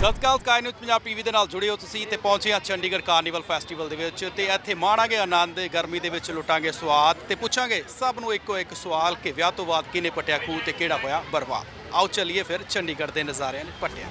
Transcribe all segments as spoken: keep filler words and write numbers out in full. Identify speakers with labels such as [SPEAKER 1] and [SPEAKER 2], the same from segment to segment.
[SPEAKER 1] ਸਤਿ Shri Akal Sky News Punjab TV ਦੇ ਨਾਲ ਜੁੜੇ ਹੋ ਤੁਸੀਂ ਤੇ ਪਹੁੰਚੇ ਆ ਚੰਡੀਗੜ੍ਹ ਕਾਰਨੀਵਲ ਫੈਸਟੀਵਲ ਦੇ ਵਿੱਚ ਤੇ ਇੱਥੇ ਮਾਣਾਂਗੇ ਆਨੰਦ ਗਰਮੀ ਦੇ ਵਿੱਚ ਲੁੱਟਾਂਗੇ ਸਵਾਦ ਤੇ ਪੁੱਛਾਂਗੇ ਸਭ ਨੂੰ ਇੱਕੋ ਇੱਕ ਸਵਾਲ ਕਿ ਵਿਆਹ ਤੋਂ ਬਾਅਦ ਕਿਹਨੇ ਪਟਿਆ ਖੂਹ ਤੇ ਕਿਹੜਾ ਹੋਇਆ ਬਰਬਾਦ। ਆਓ ਚੱਲੀਏ ਫਿਰ ਚੰਡੀਗੜ੍ਹ ਦੇ ਨਜ਼ਾਰਿਆਂ ਨੇ ਪਟਿਆ।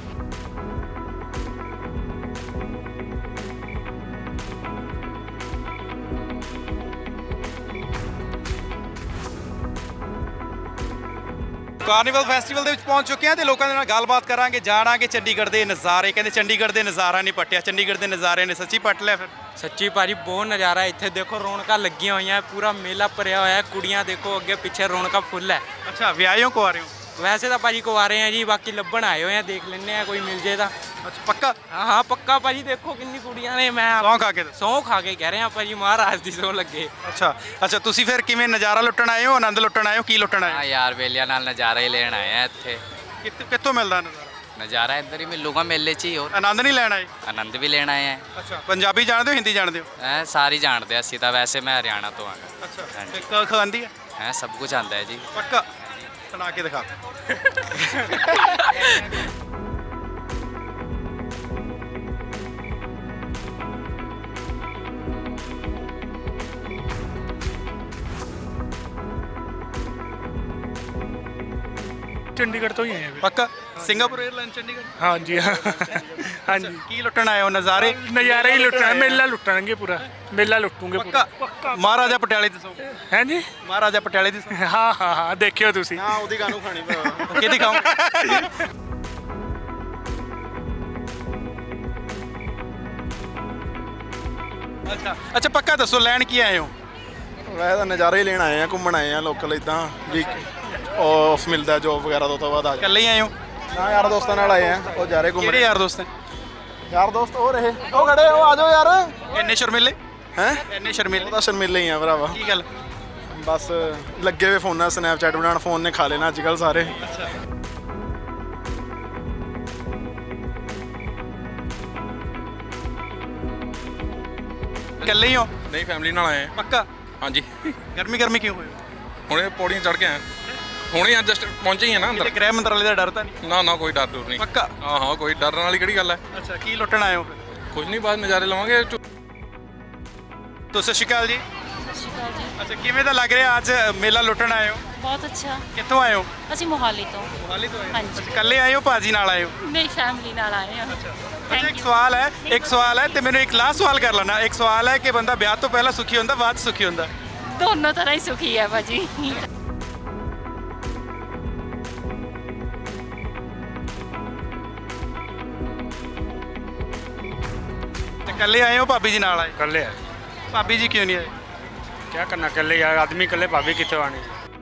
[SPEAKER 1] ਕਾਰਨੀਵਲ ਫੈਸਟੀਵਲ ਦੇ ਵਿੱਚ ਪਹੁੰਚ ਚੁੱਕੇ ਹਾਂ ਤੇ ਲੋਕਾਂ ਦੇ ਨਾਲ ਗੱਲਬਾਤ ਕਰਾਂਗੇ, ਜਾਣਾਂਗੇ ਚੰਡੀਗੜ੍ਹ ਦੇ ਨਜ਼ਾਰੇ। ਕਹਿੰਦੇ ਚੰਡੀਗੜ੍ਹ ਦੇ ਨਜ਼ਾਰਾ ਨਹੀਂ ਪਟਿਆ, ਚੰਡੀਗੜ੍ਹ ਦੇ ਨਜ਼ਾਰੇ ਨੇ ਸੱਚੀ ਪਟ ਲਿਆ ਫਿਰ।
[SPEAKER 2] ਸੱਚੀ ਭਾਜੀ ਬਹੁਤ ਨਜ਼ਾਰਾ ਹੈ ਇੱਥੇ। ਦੇਖੋ ਰੌਣਕਾਂ ਲੱਗੀਆਂ ਹੋਈਆਂ, ਪੂਰਾ ਮੇਲਾ ਭਰਿਆ ਹੋਇਆ ਹੈ। ਕੁੜੀਆਂ ਦੇਖੋ ਅੱਗੇ ਪਿੱਛੇ ਰੌਣਕਾਂ ਫੁੱਲ ਹੈ।
[SPEAKER 1] ਅੱਛਾ ਵਿਆਹਿਓ ਕੋ ਆ ਰਹੇ ਹੋ?
[SPEAKER 2] ਵੈਸੇ ਤਾਂ ਭਾਜੀ ਕੁਆਰੇ ਆ ਜੀ, ਬਾਕੀ ਲੱਭਣ ਆਏ ਹੋਏ ਆ, ਦੇਖ ਲੈਣੇ ਆ ਕੋਈ ਮਿਲ ਜੇ ਤਾਂ।
[SPEAKER 1] ਅੱਛਾ ਪੱਕਾ?
[SPEAKER 2] ਹਾਂ ਹਾਂ ਪੱਕਾ ਭਾਜੀ। ਦੇਖੋ ਕਿੰਨੀ ਕੁੜੀਆਂ ਨੇ। ਮੈਂ
[SPEAKER 1] ਸੌਂ ਖਾ ਕੇ ਦੱਸੋ।
[SPEAKER 2] ਸਹੁੰ ਖਾ ਕੇ ਕਹਿ ਰਿਹਾ ਭਾਜੀ, ਮਹਾਰਾਜ ਦੀ ਸਹੁੰ ਲੱਗੇ।
[SPEAKER 1] ਅੱਛਾ ਅੱਛਾ ਤੁਸੀਂ ਫਿਰ ਕਿਵੇਂ ਨਜ਼ਾਰਾ ਲੁੱਟਣ ਆਏ ਹੋ, ਆਨੰਦ ਲੁੱਟਣ ਆਏ ਹੋ, ਕੀ ਲੁੱਟਣ ਆਏ
[SPEAKER 3] हाँ
[SPEAKER 1] ਹੋ?
[SPEAKER 3] यार बेलिया नाल नज़ारा ही लेना आए हैं इत्थे।
[SPEAKER 1] ਕਿੱਥੋਂ ਕਿੱਥੋਂ ਮਿਲਦਾ ਨਜ਼ਾਰਾ?
[SPEAKER 3] नज़ारा इधर ही मिलूगा मेले च ही। और
[SPEAKER 1] ਆਨੰਦ ਨਹੀਂ ਲੈਣ ਆਏ?
[SPEAKER 3] आनंद भी लेना आए हैं।
[SPEAKER 1] ਅੱਛਾ ਪੰਜਾਬੀ ਜਾਣਦੇ ਹੋ, ਹਿੰਦੀ ਜਾਣਦੇ ਹੋ?
[SPEAKER 3] हैं सारी जानते हैं, असी तो वैसे मैं हरियाणा तो हाँ।
[SPEAKER 1] ਅੱਛਾ
[SPEAKER 3] हाँ
[SPEAKER 1] ਤੇ
[SPEAKER 3] जी।
[SPEAKER 1] ਕ ਖਾਂਦੀ ਹੈ?
[SPEAKER 3] हैं सब कुछ आंदा है जी।
[SPEAKER 1] ਪੱਕਾ ਸੁਣਾ ਕੇ ਦਿਖਾ।
[SPEAKER 4] ਚੰਡੀਗੜ੍ਹ ਤੋਂ ਹੀ ਆਏ ਆ ਵੀ।
[SPEAKER 1] ਪੱਕਾ ਸਿੰਗਾਪੁਰ 에ਅਰਲਾਈਨ ਚੰਡੀਗੜ੍ਹ?
[SPEAKER 4] ਹਾਂਜੀ ਹਾਂ ਹਾਂਜੀ
[SPEAKER 1] ਕੀ ਲੁੱਟਣ ਆਏ ਹੋ? ਨਜ਼ਾਰੇ
[SPEAKER 4] ਨਜ਼ਾਰਾ ਹੀ ਲੁੱਟਣਾ, ਮੇਲਾ ਲੁੱਟਾਂਗੇ ਪੂਰਾ, ਮੇਲਾ ਲੁੱਟੂਗੇ ਪੂਰਾ।
[SPEAKER 1] ਪੱਕਾ ਮਹਾਰਾਜਾ ਪਟਿਆਲੇ ਦੀ ਸੌ
[SPEAKER 4] ਹੈ ਜੀ।
[SPEAKER 1] ਮਹਾਰਾਜਾ ਪਟਿਆਲੇ ਦੀ ਸੌ
[SPEAKER 4] ਹਾਂ ਹਾਂ ਹਾਂ ਦੇਖਿਓ ਤੁਸੀਂ।
[SPEAKER 1] ਹਾਂ ਉਹਦੀ ਗਾਣੂ ਖਾਣੀ ਕਿਹਦੀ ਖਾਓ? ਅੱਛਾ ਅੱਛਾ ਪੱਕਾ ਦੱਸੋ ਲੈਣ ਕੀ ਆਏ ਹੋ?
[SPEAKER 5] ਵੈਸੇ ਤਾਂ ਨਜ਼ਾਰੇ ਹੀ ਲੈਣ ਆਏ ਆ, ਘੁੰਮਣ ਆਏ ਆ ਲੋਕਲ ਇਦਾਂ ਵੀ ਆਫ ਮਿਲਦਾ ਜੋਬ ਵਗੈਰਾ ਤੋਂ, ਤੋਂ ਬਾਅਦ ਆ ਜਾ
[SPEAKER 1] ਇਕੱਲੇ ਹੀ ਆਏ ਹੋ?
[SPEAKER 5] ਨਾ ਯਾਰ ਦੋਸਤਾਂ ਨਾਲ ਆਏ ਆ, ਉਹ ਜਾ ਰਹੇ ਘੁੰਮਣ।
[SPEAKER 1] ਕਿਹੜੇ ਯਾਰ ਦੋਸਤ ਹੈ?
[SPEAKER 5] ਯਾਰ ਦੋਸਤ ਉਹ ਰਹੇ, ਉਹ ਖੜੇ, ਉਹ ਆ ਜਾਓ ਯਾਰ।
[SPEAKER 1] ਇੰਨੇ ਸ਼ਰਮੀਲੇ?
[SPEAKER 5] ਹੈ
[SPEAKER 1] ਇੰਨੇ ਸ਼ਰਮੀਲੇ?
[SPEAKER 5] ਉਹਦਾ ਸ਼ਰਮੀਲੇ ਹੀ ਆ ਭਰਾਵਾ।
[SPEAKER 1] ਕੀ ਗੱਲ?
[SPEAKER 5] ਬਸ ਲੱਗੇ ਹੋਏ ਫੋਨਾਂ, ਸਨੈਪਚੈਟ ਬਣਾਉਣ, ਫੋਨ ਨੇ ਖਾ ਲੈਣਾ ਅੱਜ ਕੱਲ੍ਹ ਸਾਰੇ।
[SPEAKER 1] ਅੱਛਾ ਇਕੱਲੇ ਹੀ ਹੋ?
[SPEAKER 6] ਨਹੀਂ ਫੈਮਿਲੀ ਨਾਲ ਆਏ ਹਾਂ।
[SPEAKER 1] ਪੱਕਾ?
[SPEAKER 6] ਹਾਂਜੀ
[SPEAKER 1] ਗਰਮੀ ਗਰਮੀ ਕਿਉਂ ਹੋਈ?
[SPEAKER 6] ਹੁਣੇ ਪੌੜੀਆਂ ਚੜ ਕੇ ਆਏ ਹਾਂ। ਹੁਣੇ ਜਸਟ ਪਹੁੰਚੇ ਹੀ ਆ ਨਾ ਅੰਦਰ।
[SPEAKER 1] ਕਿਤੇ ਗ੍ਰਹਿ ਮੰਤਰਾਲੇ ਦਾ ਡਰ ਤਾਂ ਨਹੀਂ?
[SPEAKER 6] ਨਾ ਨਾ ਕੋਈ ਡਰ ਡਰ ਨਹੀਂ।
[SPEAKER 1] ਪੱਕਾ?
[SPEAKER 6] ਹਾਂ ਹਾਂ ਕੋਈ ਡਰਨ ਵਾਲੀ ਕਿਹੜੀ ਗੱਲ ਹੈ।
[SPEAKER 1] ਅੱਛਾ ਕੀ ਲੁੱਟਣ ਆਏ ਹੋ ਫਿਰ?
[SPEAKER 6] ਕੁਝ ਨਹੀਂ, ਬਾਅਦ ਨਜ਼ਾਰੇ ਲਵਾਂਗੇ।
[SPEAKER 1] ਤੋ ਸਤਿ ਸ਼੍ਰੀ ਅਕਾਲ ਜੀ।
[SPEAKER 7] ਸਤਿ ਸ਼੍ਰੀ ਅਕਾਲ ਜੀ।
[SPEAKER 1] ਅੱਛਾ ਕਿਵੇਂ ਦਾ ਲੱਗ ਰਿਹਾ ਅੱਜ ਮੇਲਾ ਲੁੱਟਣ ਆਏ ਹੋ?
[SPEAKER 7] ਬਹੁਤ ਅੱਛਾ।
[SPEAKER 1] ਕਿੱਥੋਂ ਆਏ ਹੋ?
[SPEAKER 7] ਅਸੀਂ ਮੋਹਾਲੀ ਤੋਂ।
[SPEAKER 1] ਮੋਹਾਲੀ ਤੋਂ ਆਏ ਹੋ?
[SPEAKER 7] ਹਾਂਜੀ।
[SPEAKER 1] ਅੱਛਾ, ਇਕੱਲੇ ਆਏ ਹੋ ਭਾਜੀ ਨਾਲ ਆਏ ਹੋ?
[SPEAKER 7] ਮੇਰੀ ਫੈਮਿਲੀ ਨਾਲ ਆਏ ਹਾਂ।
[SPEAKER 1] ਅੱਛਾ
[SPEAKER 7] Thank
[SPEAKER 1] ਇੱਕ
[SPEAKER 7] you.
[SPEAKER 1] ਸਵਾਲ ਹੈ ਇੱਕ ਸਵਾਲ ਹੈ ਤੇ ਮੈਨੂੰ ਇੱਕ ਲਾਸਟ ਸਵਾਲ ਕਰ ਲੈਣਾ। ਇੱਕ ਸਵਾਲ ਹੈ ਕਿ ਬੰਦਾ ਵਿਆਹ ਤੋਂ ਪਹਿਲਾਂ ਸੁਖੀ ਹੁੰਦਾ ਬਾਅਦ 'ਚ ਸੁਖੀ ਹੁੰਦਾ?
[SPEAKER 7] ਦੋਨੋਂ ਤਰ੍ਹਾਂ ਹੀ ਸੁਖੀ ਹੈ ਭਾਜੀ।
[SPEAKER 1] ਤੇ ਇਕੱਲੇ ਆਏ ਹੋ ਭਾਬੀ ਜੀ ਨਾਲ ਆਏ?
[SPEAKER 4] ਕੱਲੇ ਆ।
[SPEAKER 1] ਭਾਬੀ ਜੀ ਕਿਉਂ ਨਹੀਂ ਆਏ?
[SPEAKER 4] ਕੀ ਕਰਨਾ ਕੱਲੇ ਯਾਰ, ਆਦਮੀ ਕੱਲੇ, ਭਾਬੀ ਕਿੱਥੋਂ ਆਣੀ।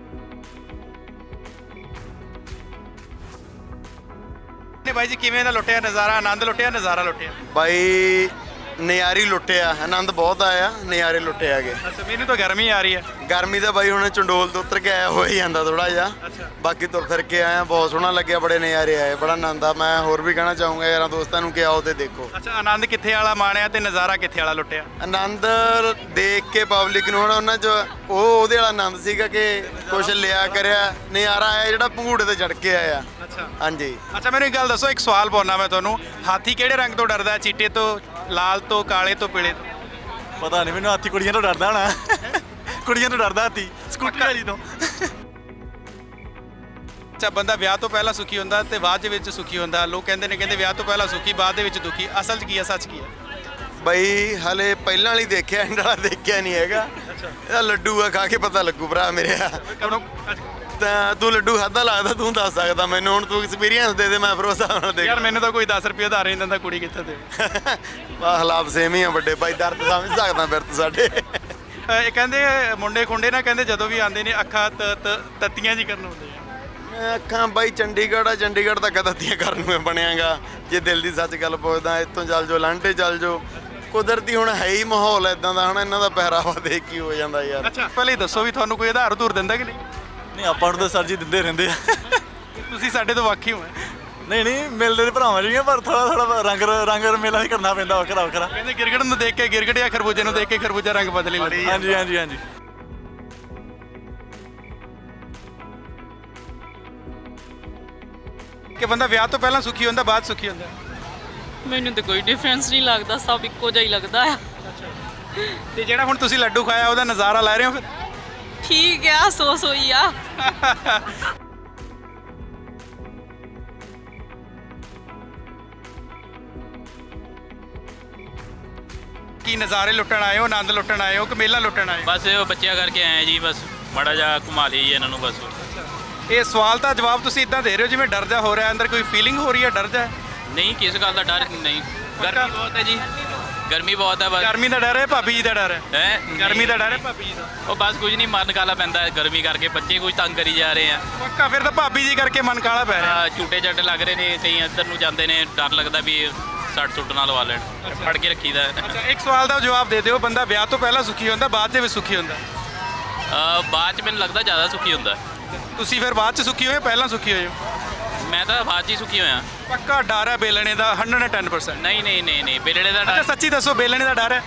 [SPEAKER 1] ਨੇ ਬਾਈ ਜੀ ਕਿਵੇਂ ਦਾ ਲੁੱਟਿਆ ਨਜ਼ਾਰਾ? ਆਨੰਦ ਲੁੱਟਿਆ, ਨਜ਼ਾਰਾ ਲੁੱਟਿਆ?
[SPEAKER 5] ਬਾਈ ਨਜ਼ਾਰੀ ਲੁੱਟਿਆ, ਆਨੰਦ ਬਹੁਤ ਆਇਆ, ਨਜ਼ਾਰੇ ਲੁੱਟੇ ਆਗੇ।
[SPEAKER 1] ਅੱਛਾ ਮੈਨੂੰ ਤਾਂ ਗਰਮੀ ਆ ਰਹੀ ਹੈ।
[SPEAKER 5] ਗਰਮੀ ਦਾ ਬਾਈ ਹੁਣ ਚੰਡੋਲ ਤੋਂ ਉਤਰ ਕੇ ਆਇਆ ਹੋ ਹੀ ਜਾਂਦਾ ਥੋੜਾ ਜਿਹਾ।
[SPEAKER 1] ਅੱਛਾ
[SPEAKER 5] ਬਾਕੀ ਤੁਰ ਫਿਰ ਕੇ ਆਇਆ, ਬਹੁਤ ਸੋਹਣਾ ਲੱਗਿਆ, ਬੜੇ ਨਜ਼ਾਰੇ ਆਏ, ਬੜਾ ਆਨੰਦ ਆ। ਮੈਂ ਹੋਰ ਵੀ ਕਹਿਣਾ ਚਾਹੂੰਗਾ ਯਾਰਾਂ ਦੋਸਤਾਂ ਨੂੰ ਕਿ ਆਓ ਤੇ ਦੇਖੋ।
[SPEAKER 1] ਅੱਛਾ ਆਨੰਦ ਕਿੱਥੇ ਵਾਲਾ ਮਾਣਿਆ ਤੇ ਨਜ਼ਾਰਾ ਕਿੱਥੇ ਵਾਲਾ ਲੁੱਟਿਆ?
[SPEAKER 5] ਆਨੰਦ ਦੇਖ ਕੇ ਪਬਲਿਕ ਨੂੰ ਹੁਣ ਉਹਨਾਂ 'ਚ ਉਹ ਉਹਦੇ ਵਾਲਾ ਆਨੰਦ ਸੀਗਾ ਕਿ ਕੁਛ ਲਿਆ ਕਰਿਆ, ਨਜ਼ਾਰਾ ਆਇਆ ਜਿਹੜਾ ਭੰਗੂੜੇ ਤੇ ਚੜ ਕੇ ਆਇਆ।
[SPEAKER 1] ਅੱਛਾ
[SPEAKER 5] ਹਾਂਜੀ
[SPEAKER 1] ਅੱਛਾ ਮੈਨੂੰ ਇੱਕ ਗੱਲ ਦੱਸੋ, ਇੱਕ ਸਵਾਲ ਪਾਉਣਾ ਮੈਂ ਤੁਹਾਨੂੰ। ਹਾਥੀ ਕਿਹੜੇ ਰੰਗ ਤੋਂ ਡਰਦਾ? ਚਿੱਟੇ ਤੋਂ, ਲਾਲ ਤੋਂ, ਕਾਲੇ ਤੋਂ, ਪੀਲੇ ਤੋਂ?
[SPEAKER 8] ਪਤਾ ਨਹੀਂ ਮੈਨੂੰ, ਹਾਥੀ ਕੁੜੀਆਂ ਤੋਂ ਡਰਦਾ ਹੋਣਾ। ਕੁੜੀਆਂ ਤੋਂ ਡਰਦਾ ਹਾਥੀ, ਸਕੂਟਰ ਵਾਲੀ ਤੋਂ।
[SPEAKER 1] ਅੱਛਾ ਬੰਦਾ ਵਿਆਹ ਤੋਂ ਪਹਿਲਾਂ ਸੁਖੀ ਹੁੰਦਾ ਤੇ ਬਾਅਦ ਦੇ ਵਿੱਚ ਸੁਖੀ ਹੁੰਦਾ। ਲੋਕ ਕਹਿੰਦੇ ਨੇ ਕਹਿੰਦੇ ਵਿਆਹ ਤੋਂ ਪਹਿਲਾਂ ਸੁਖੀ ਬਾਅਦ ਦੇ ਵਿੱਚ ਦੁਖੀ। ਅਸਲ 'ਚ ਕੀ ਹੈ, ਸੱਚ ਕੀ ਹੈ?
[SPEAKER 5] ਬਈ ਹਲੇ ਪਹਿਲਾਂ ਵਾਲੀ ਦੇਖਿਆ, ਐਂਡ ਵਾਲਾ ਦੇਖਿਆ ਨਹੀਂ ਹੈਗਾ। ਇਹਦਾ ਲੱਡੂ ਆ, ਖਾ ਕੇ ਪਤਾ ਲੱਗੂ ਭਰਾ ਮੇਰੇ। ਤਾਂ ਤੂੰ ਲੱਡੂ ਖਾਧਾ ਲੱਗਦਾ, ਤੂੰ ਦੱਸ ਸਕਦਾ ਮੈਨੂੰ। ਹੁਣ ਤੂੰ ਐਕਸਪੀਰੀਅੰਸ ਦੇ ਦੇ, ਮੈਂ ਫਿਰ ਉਸ ਹਿਸਾਬ ਨਾਲ ਦੇਖ।
[SPEAKER 1] ਯਾਰ ਮੈਨੂੰ ਤਾਂ ਕੋਈ ਦਸ ਰੁਪਏ ਉਧਾਰ ਨਹੀਂ ਦਿੰਦਾ, ਕੁੜੀ ਕਿੱਥੇ ਦੇ?
[SPEAKER 5] ਬਾ ਹਾਲਾਤ ਸੇਮ ਹੀ ਆ ਵੱਡੇ ਭਾਈ, ਦਰਦ ਸਮਝ ਸਕਦਾ ਫਿਰ ਤੂੰ ਸਾਡੇ।
[SPEAKER 1] ਇਹ ਕਹਿੰਦੇ ਮੁੰਡੇ ਖੁੰਡੇ ਨਾ ਕਹਿੰਦੇ ਜਦੋਂ ਵੀ ਆਉਂਦੇ ਨੇ ਅੱਖਾਂ ਤ- ਤ- ਤੱਤੀਆਂ ਜੀ ਕਰਨ ਹੁੰਦੇ ਆ।
[SPEAKER 5] ਅੱਖਾਂ ਬਾਈ ਚੰਡੀਗੜ੍ਹ ਆ, ਚੰਡੀਗੜ੍ਹ ਤਾਂ ਕਦਤੀਆਂ ਕਰਨ ਨੂੰ ਬਣਿਆਗਾ। ਜੇ ਦਿਲ ਦੀ ਸੱਚ ਗੱਲ ਪੁੱਛਦਾ, ਇੱਥੋਂ ਚੱਲ ਜਾਓ, ਲਾਂਟੇ ਚੱਲ ਜਾਓ। ਕੁਦਰਤੀ ਹੁਣ ਹੈ ਹੀ ਮਾਹੌਲ ਇਦਾਂ ਦਾ, ਹੁਣ ਇਹਨਾਂ ਦਾ ਪਹਿਰਾਵਾ ਦੇਖ ਕੀ ਹੋ ਜਾਂਦਾ ਯਾਰ।
[SPEAKER 1] ਅੱਛਾ ਪਹਿਲੇ ਦੱਸੋ ਵੀ ਤੁਹਾਨੂੰ ਕੋਈ ਆਧਾਰ ਉਧਾਰ ਦਿੰਦਾ ਕਿ ਨਹੀਂ?
[SPEAKER 8] ਨਹੀਂ ਆਪਾਂ ਨੂੰ ਤਾਂ ਸਰ ਜੀ ਦਿੰਦੇ ਰਹਿੰਦੇ ਆ।
[SPEAKER 1] ਤੁਸੀਂ ਸਾਡੇ ਤੋਂ ਵਾਕਿਫ ਹੋ?
[SPEAKER 8] ਨਹੀਂ ਨਹੀਂ ਮਿਲਦੇ ਤੇ ਭਰਾਵਾਂ ਜਿਹੀਆਂ, ਪਰ ਥੋੜਾ ਥੋੜਾ ਰੰਗ ਰੰਗ ਮੇਲਾ ਵੀ ਕਰਨਾ ਪੈਂਦਾ ਵੱਖਰਾ ਵੱਖਰਾ।
[SPEAKER 1] ਕਹਿੰਦੇ ਗਿਰਗੜ ਨੂੰ ਦੇਖ ਕੇ ਗਿਰਗੜ ਜਾਂ ਖਰਬੂਜੇ ਨੂੰ ਦੇਖ ਕੇ ਖਰਬੂਜਾ ਰੰਗ ਬਦਲੀ ਲੈਂਦਾ।
[SPEAKER 8] ਹਾਂਜੀ ਹਾਂਜੀ ਹਾਂਜੀ।
[SPEAKER 1] ਕਿ ਬੰਦਾ ਵਿਆਹ ਤੋਂ ਪਹਿਲਾਂ ਸੁਖੀ ਹੁੰਦਾ ਬਾਅਦ ਸੁਖੀ ਹੁੰਦਾ?
[SPEAKER 9] ਮੈਨੂੰ ਤਾਂ ਕੋਈ ਡਿਫਰੈਂਸ ਨਹੀਂ ਲੱਗਦਾ, ਸਭ ਇੱਕੋ ਜਿਹਾ ਹੀ ਲੱਗਦਾ ਆ।
[SPEAKER 1] ਤੇ ਜਿਹੜਾ ਹੁਣ ਤੁਸੀਂ ਲੱਡੂ ਖਾਇਆ ਉਹਦਾ ਨਜ਼ਾਰਾ ਲੈ ਰਹੇ ਹੋ ਫਿਰ?
[SPEAKER 9] ਠੀਕ ਆ, ਸੋ ਸੋਈ ਆ।
[SPEAKER 1] ਕੀ ਨਜ਼ਾਰੇ ਲੁੱਟਣ ਆਏ ਹੋ, ਆਨੰਦ ਲੁੱਟਣ ਆਏ ਹੋ ਕਿ ਮੇਲਾ ਲੁੱਟਣ ਆਏ ਹੋ?
[SPEAKER 10] ਬਸ ਇਹ ਬੱਚਿਆਂ ਕਰਕੇ ਆਏ ਜੀ, ਬਸ ਮਾੜਾ ਜਿਹਾ ਘੁਮਾ ਲਈ ਇਹਨਾਂ ਨੂੰ ਬਸ।
[SPEAKER 1] ਇਹ ਸਵਾਲ ਦਾ ਜਵਾਬ ਤੁਸੀਂ ਇਦਾਂ ਦੇ ਰਹੇ ਹੋ ਜਿਵੇਂ ਡਰ ਜਾ ਹੋ ਰਿਹਾ, ਅੰਦਰ ਕੋਈ ਫੀਲਿੰਗ ਹੋ ਰਹੀ ਹੈ, ਡਰ ਜਾ?
[SPEAKER 10] ਨਹੀਂ, ਕਿਸ ਗੱਲ ਦਾ ਡਰ ਨਹੀਂ, ਗਰਮੀ ਬਹੁਤ ਹੈ ਜੀ, ਗਰਮੀ ਬਹੁਤ ਹੈ ਬਸ।
[SPEAKER 1] ਗਰਮੀ ਦਾ ਡਰ ਹੈ, ਭਾਬੀ ਜੀ ਦਾ ਡਰ ਹੈ?
[SPEAKER 10] ਹੈ
[SPEAKER 1] ਗਰਮੀ ਦਾ ਡਰ ਹੈ ਭਾਬੀ ਜੀ ਦਾ?
[SPEAKER 10] ਉਹ ਬਸ ਕੁਝ ਨਹੀਂ, ਮਨ ਕਾਲਾ ਪੈਂਦਾ ਹੈ ਗਰਮੀ ਕਰਕੇ, ਬੱਚੇ ਕੁਝ ਤੰਗ ਕਰੀ ਜਾ ਰਹੇ ਆ।
[SPEAKER 1] ਪੱਕਾ ਫਿਰ ਤਾਂ ਭਾਬੀ ਜੀ ਕਰਕੇ ਮਨ ਕਾਲਾ ਪੈ ਰਿਹਾ।
[SPEAKER 10] ਆਹ, ਝੂਟੇ ਝੱਟ ਲੱਗ ਰਹੇ ਨੇ, ਕਈ ਇੱਧਰ ਨੂੰ ਜਾਂਦੇ ਨੇ, ਡਰ ਲੱਗਦਾ ਵੀ ਸੱਟ ਸੁੱਟ ਨਾ ਲਵਾ ਲੈਣ, ਫੜ ਕੇ ਰੱਖੀਦਾ ਹੈ।
[SPEAKER 1] ਅੱਛਾ, ਇੱਕ ਸਵਾਲ ਦਾ ਜਵਾਬ ਦੇ ਦਿਓ, ਬੰਦਾ ਵਿਆਹ ਤੋਂ ਪਹਿਲਾਂ ਸੁਖੀ ਹੁੰਦਾ, ਬਾਅਦ ਦੇ ਵਿੱਚ ਸੁਖੀ ਹੁੰਦਾ?
[SPEAKER 10] ਅਹ, ਬਾਅਦ ਚ ਮੈਨੂੰ ਲੱਗਦਾ ਜ਼ਿਆਦਾ ਸੁਖੀ ਹੁੰਦਾ।
[SPEAKER 1] ਤੁਸੀਂ ਫਿਰ ਬਾਅਦ ਚ ਸੁਖੀ ਹੋਏ, ਪਹਿਲਾਂ ਸੁਖੀ ਹੋਏ ਹੋ?
[SPEAKER 10] ਮੈਂ ਤਾਂ ਬਾਅਦ ਚ ਹੀ ਸੁਖੀ ਹੋਇਆ।
[SPEAKER 1] ਪੱਕਾ ਡਰ ਹੈ ਬੇਲਣੇ ਦਾ ਇੱਕ ਸੌ ਦਸ ਪਰਸੈਂਟ?
[SPEAKER 10] ਨਹੀਂ ਨਹੀਂ ਨਹੀਂ ਨਹੀਂ, ਬੇਲੜੇ ਦਾ
[SPEAKER 1] ਅੱਛਾ
[SPEAKER 10] ਡਰ।
[SPEAKER 1] ਸੱਚੀ ਦੱਸੋ, ਬੇਲਣੇ ਦਾ ਡਰ ਹੈ?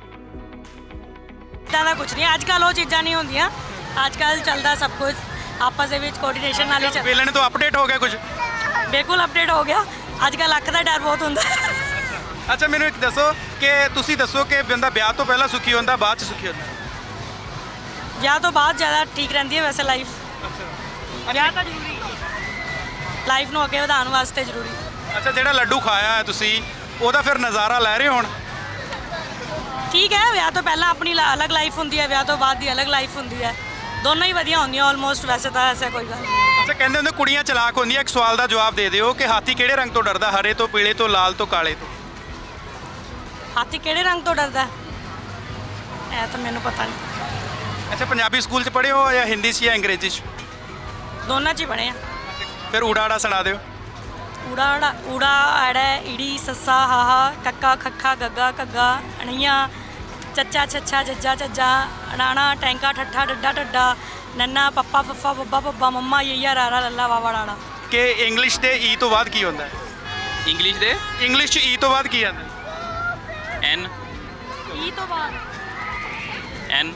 [SPEAKER 11] ਇੱਦਾਂ ਦਾ ਕੁਝ ਨਹੀਂ, ਅੱਜ ਕੱਲ੍ਹ ਉਹ ਚੀਜ਼ਾਂ ਨਹੀਂ ਹੁੰਦੀਆਂ। ਅੱਜ ਕੱਲ੍ਹ ਚੱਲਦਾ ਸਭ ਕੁਝ ਆਪਸ ਦੇ ਵਿੱਚ ਕੋਆਰਡੀਨੇਸ਼ਨ ਨਾਲ ਹੀ ਚੱਲ।
[SPEAKER 1] ਬੇਲਣੇ ਤੋਂ ਅਪਡੇਟ ਹੋ ਗਿਆ ਕੁਝ?
[SPEAKER 11] ਬਿਲਕੁਲ ਅਪਡੇਟ ਹੋ ਗਿਆ। ਅੱਜ ਕੱਲ੍ਹ ਅੱਖ ਦਾ ਡਰ ਬਹੁਤ ਹੁੰਦਾ।
[SPEAKER 1] ਅੱਛਾ ਮੈਨੂੰ ਇੱਕ ਦੱਸੋ ਕਿ ਤੁਸੀਂ ਦੱਸੋ ਕਿ ਬੰਦਾ ਵਿਆਹ ਤੋਂ ਪਹਿਲਾਂ ਸੁਖੀ ਹੁੰਦਾ, ਬਾਅਦ ਚ ਸੁਖੀ ਹੁੰਦਾ?
[SPEAKER 11] ਵਿਆਹ ਤੋਂ ਬਾਅਦ ਜ਼ਿਆਦਾ ਠੀਕ ਰਹਿੰਦੀ ਹੈ ਵੈਸੇ ਲਾਈਫ। ਵਿਆਹ ਤਾਂ ਜ਼ਰੂਰੀ ਹੈ, ਲਾਈਫ ਨੂੰ ਅੱਗੇ ਵਧਾਉਣ ਵਾਸਤੇ ਜ਼ਰੂਰੀ।
[SPEAKER 1] ਅੱਛਾ, ਜਿਹੜਾ ਲੱਡੂ ਖਾਇਆ ਹੈ ਤੁਸੀਂ ਉਹਦਾ ਫਿਰ ਨਜ਼ਾਰਾ ਲੈ ਰਹੇ ਹੋ ਹੁਣ?
[SPEAKER 11] ਠੀਕ ਹੈ, ਵਿਆਹ ਤੋਂ ਪਹਿਲਾਂ ਆਪਣੀ ਲਾ- ਅਲੱਗ ਲਾਈਫ ਹੁੰਦੀ ਹੈ, ਵਿਆਹ ਤੋਂ ਬਾਅਦ ਦੀ ਅਲੱਗ ਲਾਈਫ ਹੁੰਦੀ ਹੈ। ਦੋਨੋਂ ਹੀ ਵਧੀਆ ਹੁੰਦੀਆਂ ਆਲਮੋਸਟ, ਵੈਸੇ ਤਾਂ ਐਸਾ ਕੋਈ ਗੱਲ ਨਹੀਂ।
[SPEAKER 1] ਅੱਛਾ, ਕਹਿੰਦੇ ਹੁੰਦੇ ਕੁੜੀਆਂ ਚਲਾਕ ਹੁੰਦੀਆਂ। ਇੱਕ ਸਵਾਲ ਦਾ ਜਵਾਬ ਦੇ ਦਿਓ ਕਿ ਹਾਥੀ ਕਿਹੜੇ ਰੰਗ ਤੋਂ ਡਰਦਾ, ਹਰੇ ਤੋਂ, ਪੀਲੇ ਤੋਂ, ਲਾਲ ਤੋਂ, ਕਾਲੇ ਤੋਂ?
[SPEAKER 11] ਹਾਥੀ ਕਿਹੜੇ ਰੰਗ ਤੋਂ ਡਰਦਾ? ਇਹ ਤਾਂ ਮੈਨੂੰ ਪਤਾ ਨਹੀਂ।
[SPEAKER 1] ਅੱਛਾ, ਪੰਜਾਬੀ ਸਕੂਲ 'ਚ ਪੜ੍ਹੇ ਹੋ ਜਾਂ ਹਿੰਦੀ 'ਚ ਜਾਂ ਅੰਗਰੇਜ਼ੀ 'ਚ?
[SPEAKER 11] ਦੋਨਾਂ 'ਚ ਹੀ ਬਣੇ ਆ।
[SPEAKER 1] ਫਿਰ ਊੜਾ ਆੜਾ ਸੁਣਾ ਦਿਓ।
[SPEAKER 11] ਊੜਾ ਆੜਾ ਊੜਾ ਐੜਾ ਈੜੀ ਸੱਸਾ ਹਾਹਾ ਕੱਕਾ ਖੱਖਾ ਗੱਗਾ ਘੱਗਾ ਅਣੀਆਂ ਚੱਚਾ ਛੱਛਾ ਜੱਜਾ ਝੱਜਾ ਅਣਾਣਾ ਟੈਂਕਾ ਠੱਠਾ ਡੱਡਾ ਢੱਡਾ ਨੰਨਾ ਪੱਪਾ ਫੱਫਾ ਬੱਬਾ ਬੱਬਾ ਮੰਮਾ ਯਈਆ ਰਾਰਾ ਲੱਲਾ ਵਾਵਾ ਡਾਣਾ।
[SPEAKER 1] ਕਿ ਇੰਗਲਿਸ਼ ਦੇ ਈ ਤੋਂ ਬਾਅਦ ਕੀ ਹੁੰਦਾ ਹੈ?
[SPEAKER 10] ਇੰਗਲਿਸ਼ ਦੇ
[SPEAKER 1] ਇੰਗਲਿਸ਼ 'ਚ ਈ ਤੋਂ ਬਾਅਦ ਕੀ ਆਉਂਦਾ?
[SPEAKER 10] ਐਨ
[SPEAKER 11] ਈ ਤੋਂ ਬਾਅਦ
[SPEAKER 10] ਐਨ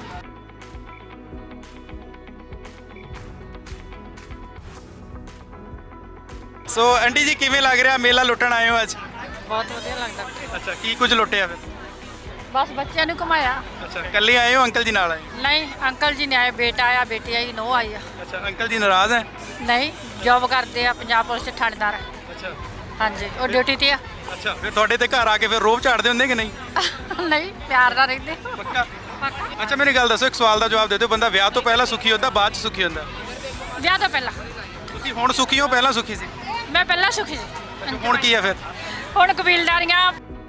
[SPEAKER 1] ਸੋ ਆਂਟੀ ਜੀ ਕਿਵੇਂ ਲੱਗ ਰਿਹਾ, ਮੇਲਾ ਲੁੱਟਣ ਆਏ ਹੋ ਅੱਜ?
[SPEAKER 7] ਬਹੁਤ ਵਧੀਆ ਲੱਗਦਾ।
[SPEAKER 1] ਅੱਛਾ, ਕੀ ਕੁਝ ਲੁੱਟਿਆ ਫਿਰ?
[SPEAKER 7] ਬਸ ਬੱਚਿਆਂ ਨੂੰ ਘੁਮਾਇਆ।
[SPEAKER 1] ਅੱਛਾ, ਇਕੱਲੇ ਆਏ ਹੋ ਅੰਕਲ ਜੀ ਨਾਲ ਆਏ?
[SPEAKER 7] ਨਹੀਂ, ਅੰਕਲ ਜੀ ਨੇ ਆਏ, ਬੇਟਾ ਆਇਆ, ਬੇਟੀ ਆਈ, ਨੋ ਆਈ ਆ।
[SPEAKER 1] ਅੱਛਾ, ਅੰਕਲ ਜੀ ਨਾਰਾਜ਼ ਹੈ?
[SPEAKER 7] ਨਹੀਂ, ਜੌਬ ਕਰਦੇ ਆ, ਪੰਜਾਬ ਪੁਲਿਸ 'ਚ ਥਾਣੇਦਾਰ।
[SPEAKER 1] ਅੱਛਾ
[SPEAKER 7] ਹਾਂਜੀ, ਉਹ ਡਿਊਟੀ ਤੇ ਆ।
[SPEAKER 1] ਅੱਛਾ, ਫਿਰ ਤੁਹਾਡੇ ਤੇ ਘਰ ਆ ਕੇ ਫਿਰ ਰੋਬ ਝਾੜਦੇ ਹੁੰਦੇ ਕਿ ਨਹੀਂ?
[SPEAKER 7] ਨਹੀਂ, ਪਿਆਰ ਨਾਲ ਰਹਿੰਦੇ।
[SPEAKER 1] ਪੱਕਾ? ਅੱਛਾ, ਮੈਨੂੰ ਗੱਲ ਦੱਸੋ, ਇੱਕ ਸਵਾਲ ਦਾ ਜਵਾਬ ਦੇ ਦਿਓ, ਬੰਦਾ ਵਿਆਹ ਤੋਂ ਪਹਿਲਾਂ ਸੁਖੀ ਹੁੰਦਾ, ਬਾਅਦ ਚ ਸੁਖੀ ਹੁੰਦਾ?
[SPEAKER 7] ਵਿਆਹ ਤੋਂ ਪਹਿਲਾਂ।
[SPEAKER 1] ਤੁਸੀਂ ਹੁਣ ਸੁਖੀ ਹੋ, ਪਹਿਲਾਂ ਸੁਖੀ ਸੀ?
[SPEAKER 7] ਮੈਂ ਪਹਿਲਾਂ ਸੁਖੀ ਸੀ।
[SPEAKER 1] ਹੁਣ ਕੀ ਹੈ ਫਿਰ?
[SPEAKER 7] ਹੁਣ ਕਬੀਲਦਾਰੀਆਂ।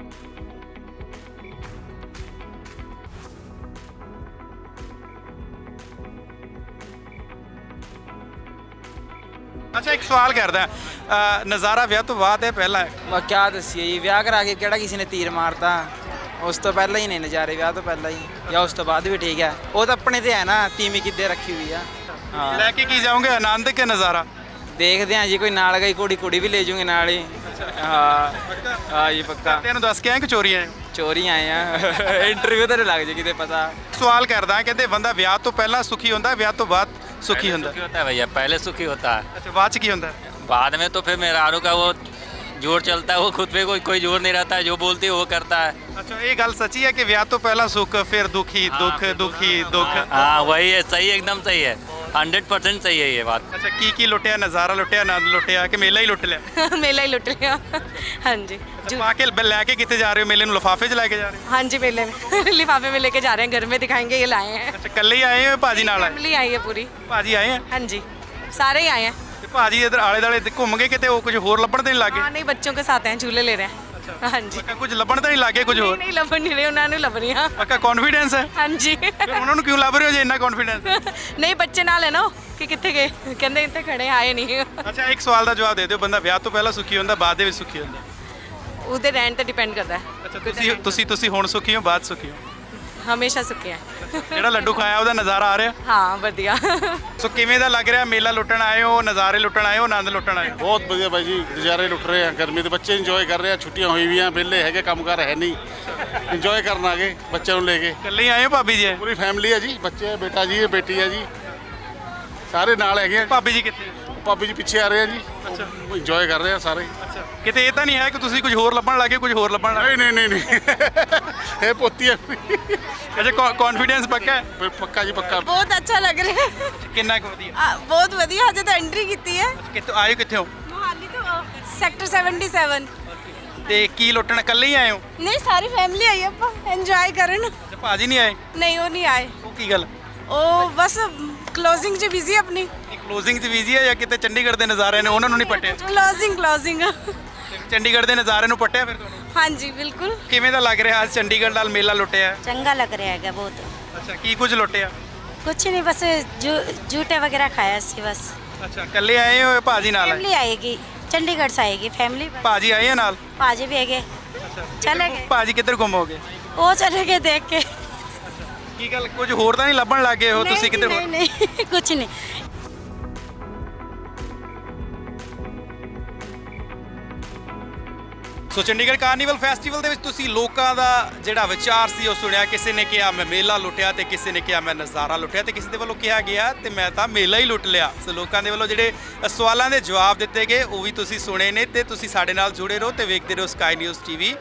[SPEAKER 1] ਅੱਛਾ, ਇੱਕ ਸਵਾਲ ਕਰਦਾ, ਅ, ਨਜ਼ਾਰਾ ਵਿਆਹ ਤੋਂ ਬਾਅਦ ਹੈ ਪਹਿਲਾਂ ਹੈ?
[SPEAKER 2] ਮੈਂ ਕਿਆ ਦੱਸੀਏ ਜੀ, ਵਿਆਹ ਕਰਾ ਕੇ ਕਿਹੜਾ ਕਿਸੇ ਨੇ ਤੀਰ ਮਾਰਤਾ? ਉਸ ਤੋਂ ਪਹਿਲਾਂ ਹੀ ਨੇ ਨਜ਼ਾਰੇ, ਵਿਆਹ ਤੋਂ ਪਹਿਲਾਂ ਹੀ ਜਾਂ ਉਸ ਤੋਂ ਬਾਅਦ ਵੀ ਠੀਕ ਹੈ। ਉਹ ਤਾਂ ਆਪਣੇ ਤੇ ਹੈ ਨਾ, ਤੀਵੀਂ ਕਿੱਦੇ ਰੱਖੀ ਹੋਈ ਆ। ਹਾਂ,
[SPEAKER 1] ਲੈ ਕੇ ਕੀ ਜਾਓਗੇ, ਆਨੰਦ ਕੇ ਨਜ਼ਾਰਾ?
[SPEAKER 2] ਦੇਖਦੇ ਹਾਂ ਜੀ, ਕੋਈ ਨਾਲ ਗਈ ਕੁੜੀ ਕੁੜੀ ਵੀ ਲੈ ਜੂਗੇ ਨਾਲ ਹੀ। ਹਾਂ ਹਾਂ ਜੀ, ਪੱਕਾ।
[SPEAKER 1] ਤੈਨੂੰ ਦੱਸ ਕੇ ਆਏ ਕਿ ਚੋਰੀ ਆਏ?
[SPEAKER 2] ਚੋਰੀ ਆਏ ਆ। ਇੰਟਰਵਿਊ ਤਾਂ ਲੱਗ ਜੇ ਕਿਤੇ ਪਤਾ।
[SPEAKER 1] ਸਵਾਲ ਕਰਦਾ, ਕਹਿੰਦੇ ਬੰਦਾ ਵਿਆਹ ਤੋਂ ਪਹਿਲਾਂ ਸੁਖੀ ਹੁੰਦਾ, ਵਿਆਹ ਤੋਂ ਬਾਅਦ ਸੁਖੀ ਹੁੰਦਾ?
[SPEAKER 10] सुखी होता है भैया, पहले सुखी होता है,
[SPEAKER 1] ਅੱਛਾ, ਬਾਅਦ ਚ ਕੀ ਹੁੰਦਾ?
[SPEAKER 10] बाद में तो फिर मेहरारू का वो जोर चलता है, वो खुद पे कोई कोई जोर नहीं रहता है, जो बोलती है वो करता है।
[SPEAKER 1] ਅੱਛਾ, ਇਹ ਗੱਲ ਸੱਚੀ ਹੈ ਕਿ ਵਿਆਹ ਤੋਂ ਪਹਿਲਾਂ ਸੁੱਖ, ਫਿਰ ਦੁਖੀ, ਦੁੱਖ, ਦੁਖੀ, ਦੁੱਖ?
[SPEAKER 10] हाँ वही है, सही है, एकदम सही है, हंड्रेड परसेंट सही है ये बात।
[SPEAKER 1] ਅੱਛਾ, ਕੀ ਕੀ ਲੁੱਟਿਆ? ਨਜ਼ਾਰਾ ਲੁੱਟਿਆ, ਆਨੰਦ ਲੁੱਟਿਆ ਕਿ ਮੇਲਾ ਹੀ ਲੁੱਟ ਲਿਆ?
[SPEAKER 11] ਮੇਲਾ ਹੀ ਲੁੱਟ ਲਿਆ। ਹਾਂਜੀ
[SPEAKER 1] ਅੱਛਾ, ਪਾ ਕੇ ਲੈ ਕੇ ਕਿੱਥੇ ਜਾ ਰਹੇ ਹੋ? ਮੇਲੇ ਨੂੰ ਲਿਫਾਫੇ 'ਚ ਲੈ ਕੇ ਜਾ ਰਹੇ ਹੋ?
[SPEAKER 11] ਹਾਂਜੀ, मेले में लिफाफे में लेके जा रहे हैं, घर में दिखाएंगे, ये लाए हैं।
[SPEAKER 1] ਅੱਛਾ, ਇਕੱਲੇ ਹੀ ਆਏ ਹੋ, ਭਾਜੀ ਨਾਲ ਆਏ?
[SPEAKER 11] फैमिली आई है पूरी।
[SPEAKER 1] ਭਾਜੀ ਆਏ ਆ?
[SPEAKER 11] हाँ जी, सारे ही आए हैं।
[SPEAKER 1] ਤੇ ਭਾਜੀ ਇਧਰ ਆਲੇ ਦਾਲੇ ਤੇ ਘੁੰਮ ਗਏ ਕਿਤੇ, ਉਹ ਕੁਝ ਹੋਰ ਲੱਭਣ ਤੇ ਨਹੀਂ ਲੱਗੇ?
[SPEAKER 11] हाँ, नहीं, बच्चों के साथ हैं, झूले ले रहे हैं। हाँ जी,
[SPEAKER 1] ਪੱਕਾ ਕੁਝ ਲੱਭਣ ਤੇ ਨਹੀਂ ਲੱਗੇ ਕੁਝ
[SPEAKER 11] नहीं
[SPEAKER 1] ਹੋਰ?
[SPEAKER 11] नहीं लभ नहीं रहे, उन्होंने लभ रही हैं।
[SPEAKER 1] ਪੱਕਾ ਕੌਨਫੀਡੈਂਸ ਹੈ?
[SPEAKER 11] हाँ जी।
[SPEAKER 1] ਫਿਰ ਉਹਨਾਂ ਨੂੰ ਕਿਉਂ ਲੱਭ ਰਹੇ ਹੋ ਜੇ ਇੰਨਾ ਕੌਨਫੀਡੈਂਸ?
[SPEAKER 11] नहीं, बच्चे नाल है ना कि कितने गए, कहते इतने खड़े आए नहीं।
[SPEAKER 1] ਅੱਛਾ, ਇੱਕ ਸਵਾਲ ਦਾ ਜਵਾਬ ਦੇ ਦਿਓ, ਬੰਦਾ ਵਿਆਹ ਤੋਂ ਪਹਿਲਾਂ ਸੁਖੀ ਹੁੰਦਾ, ਬਾਅਦ ਦੇ ਵਿੱਚ ਸੁਖੀ ਹੁੰਦਾ?
[SPEAKER 11] ਉਹਦੇ ਰਹਿਣ ਤੇ ਡਿਪੈਂਡ ਕਰਦਾ ਹੈ।
[SPEAKER 1] ਅੱਛਾ, ਤੁਸੀਂ ਤੁਸੀਂ ਤੁਸੀਂ ਹੁਣ ਸੁਖੀ ਹੋ, ਬਾਅਦ ਸੁਖੀ ਹੋ?
[SPEAKER 11] ਹਮੇਸ਼ਾ ਸੁੱਕੇ ਹੈ।
[SPEAKER 1] ਜਿਹੜਾ ਲੱਡੂ ਖਾਇਆ ਉਹਦਾ ਨਜ਼ਾਰਾ ਆ ਰਿਹਾ?
[SPEAKER 11] ਹਾਂ, ਵਧੀਆ।
[SPEAKER 1] ਸੋ ਕਿਵੇਂ ਦਾ ਲੱਗ ਰਿਹਾ? ਮੇਲਾ ਲੁੱਟਣ ਆਏ ਹੋ, ਨਜ਼ਾਰੇ ਲੁੱਟਣ ਆਏ ਹੋ, ਆਨੰਦ ਲੁੱਟਣ ਆਏ ਹੋ?
[SPEAKER 12] ਬਹੁਤ ਵਧੀਆ ਬਾਈ ਜੀ, ਨਜ਼ਾਰੇ ਲੁੱਟ ਰਹੇ ਆ, ਗਰਮੀ ਦੇ ਬੱਚੇ ਇੰਜੋਏ ਕਰ ਰਹੇ ਆ, ਛੁੱਟੀਆਂ ਹੋਈ ਵੀਆਂ, ਵਿਹਲੇ ਹੈਗੇ, ਕੰਮਕਾਰ ਹੈ ਨਹੀਂ, ਇੰਜੋਏ ਕਰਨ ਆ ਗਏ ਬੱਚਿਆਂ ਨੂੰ ਲੈ ਕੇ।
[SPEAKER 1] ਇਕੱਲੇ ਹੀ ਆਏ ਹੋ ਭਾਬੀ ਜੀ?
[SPEAKER 12] ਪੂਰੀ ਫੈਮਿਲੀ ਹੈ ਜੀ, ਬੱਚੇ ਆ, ਬੇਟਾ ਜੀ ਹੈ, ਬੇਟੀ ਹੈ ਜੀ, ਸਾਰੇ ਨਾਲ ਹੈਗੇ ਆ।
[SPEAKER 1] ਭਾਬੀ ਜੀ ਕਿੱਥੇ?
[SPEAKER 12] ਭਾਬੀ ਜੀ ਪਿੱਛੇ ਆ ਰਹੇ ਆ ਜੀ ਅੱਛਾ ਇੰਜੋਏ ਕਰ ਰਹੇ ਆ ਸਾਰੇ
[SPEAKER 1] ਅੱਛਾ ਕਿਤੇ ਇਹ ਤਾਂ ਨਹੀਂ ਹੈ ਕਿ ਤੁਸੀਂ ਕੁਝ ਹੋਰ ਲੱਭਣ ਲੱਗੇ ਕੁਝ ਹੋਰ ਲੱਭਣ ਲੱਗੇ
[SPEAKER 12] ਨਹੀਂ ਨਹੀਂ ਨਹੀਂ ਨਹੀਂ ਇਹ ਪੋਤੀ ਹੈ
[SPEAKER 1] ਅੱਛਾ ਕੌਨਫੀਡੈਂਸ ਪੱਕਾ ਹੈ
[SPEAKER 12] ਫਿਰ ਪੱਕਾ ਜੀ ਪੱਕਾ
[SPEAKER 9] ਬਹੁਤ ਅੱਛਾ ਲੱਗ ਰਿਹਾ
[SPEAKER 1] ਕਿੰਨਾ ਕੁ ਵਧੀਆ
[SPEAKER 9] ਬਹੁਤ ਵਧੀਆ ਹਜੇ ਤਾਂ ਐਂਟਰੀ ਕੀਤੀ ਹੈ
[SPEAKER 1] ਕਿੱਥੋਂ ਆਏ ਹੋ, ਕਿੱਥੇ ਹੋ
[SPEAKER 9] ਮੋਹਾਲੀ ਤੋਂ ਸੈਕਟਰ ਸੈਵਨਟੀ-ਸੈਵਨ
[SPEAKER 1] ਤੇ ਕੀ ਲੁੱਟਣ ਇਕੱਲੇ ਹੀ ਆਏ ਹੋ
[SPEAKER 9] ਨਹੀਂ ਸਾਰੀ ਫੈਮਿਲੀ ਆਈ ਆਪਾਂ ਇੰਜੋਏ ਕਰਨ
[SPEAKER 1] ਅੱਛਾ ਭਾਜੀ ਨਹੀਂ ਆਏ
[SPEAKER 9] ਨਹੀਂ ਉਹ ਨਹੀਂ ਆਏ
[SPEAKER 1] ਉਹ ਕੀ ਗੱਲ
[SPEAKER 9] ਉਹ ਬਸ ਕਲੋਜ਼ਿੰਗ 'ਚ ਬਿਜ਼ੀ ਆਪਣੀ
[SPEAKER 1] ਕਲੋਜ਼ਿੰਗ 'ਚ ਬਿਜ਼ੀ ਹੈ ਜਾਂ ਕਿਤੇ ਚੰਡੀਗੜ੍ਹ ਦੇ ਨਜ਼ਾਰੇ ਨੇ ਉਹਨਾਂ ਨੂੰ ਨਹੀਂ ਪੱਟਿਆ
[SPEAKER 9] ਕਲੋਜ਼ਿੰਗ ਕਲੋਜ਼ਿੰਗ
[SPEAKER 1] ਚੰਡੀਗੜ੍ਹ ਦੇ ਨਜ਼ਾਰੇ ਨੂੰ ਪੱਟਿਆ ਫਿਰ ਤੁਹਾਨੂੰ
[SPEAKER 9] ਹਾਂਜੀ ਬਿਲਕੁਲ
[SPEAKER 1] ਕਿਵੇਂ ਦਾ ਲੱਗ ਰਿਹਾ ਅੱਜ ਚੰਡੀਗੜ੍ਹ ਨਾਲ ਮੇਲਾ ਲੁੱਟਿਆ
[SPEAKER 11] ਚੰਗਾ ਲੱਗ ਰਿਹਾ ਹੈਗਾ ਬਹੁਤ
[SPEAKER 1] ਅੱਛਾ ਕੀ ਕੁਝ ਲੁੱਟਿਆ
[SPEAKER 11] ਕੁਛ ਨਹੀਂ ਬਸ ਜੂਟੇ ਵਗੈरह ਖਾਇਆ ਸੀ ਬਸ
[SPEAKER 1] ਅੱਛਾ ਇਕੱਲੇ ਆਏ ਹੋ ਭਾਜੀ ਨਾਲ ਆਏ
[SPEAKER 11] फैमिली आएगी चंडीगढ़ से आएगी फैमिली
[SPEAKER 1] ਭਾਜੀ ਆਏ ਆ ਨਾਲ
[SPEAKER 11] पाजी भी है चले गए
[SPEAKER 1] ਭਾਜੀ ਕਿੱਧਰ ਗੁੰਮ ਹੋ ਗਏ
[SPEAKER 11] वो चले गए देख के
[SPEAKER 1] ਕੀ ਗੱਲ ਕੁਝ ਹੋਰ ਤਾਂ ਨਹੀਂ ਲੱਭਣ ਲੱਗੇ ਹੋ ਤੁਸੀਂ ਕਿੱਧਰ
[SPEAKER 11] नहीं नहीं कुछ नहीं
[SPEAKER 1] ਸੋ ਚੰਡੀਗੜ੍ਹ ਕਾਰਨੀਵਲ ਫੈਸਟੀਵਲ ਦੇ ਵਿੱਚ ਤੁਸੀਂ ਲੋਕਾਂ ਦਾ ਜਿਹੜਾ ਵਿਚਾਰ ਸੀ ਉਹ ਸੁਣਿਆ ਕਿਸੇ ਨੇ ਕਿਹਾ ਮੈਂ ਮੇਲਾ ਲੁੱਟਿਆ ਤੇ ਕਿਸੇ ਨੇ ਕਿਹਾ ਮੈਂ ਨਜ਼ਾਰਾ ਲੁੱਟਿਆ ਤੇ ਕਿਸੇ ਦੇ ਵੱਲੋਂ ਕਿਹਾ ਗਿਆ ਤੇ ਮੈਂ ਤਾਂ ਮੇਲਾ ਹੀ ਲੁੱਟ ਲਿਆ ਸੋ ਲੋਕਾਂ ਦੇ ਵੱਲੋਂ ਜਿਹੜੇ ਸਵਾਲਾਂ ਦੇ ਜਵਾਬ ਦਿੱਤੇ ਗਏ ਉਹ ਵੀ ਤੁਸੀਂ ਸੁਣੇ ਨੇ ਤੇ ਤੁਸੀਂ ਸਾਡੇ ਨਾਲ ਜੁੜੇ ਰਹੋ ਤੇ ਵੇਖਦੇ ਰਹੋ ਸਕਾਈ ਨਿਊਜ਼ ਟੀਵੀ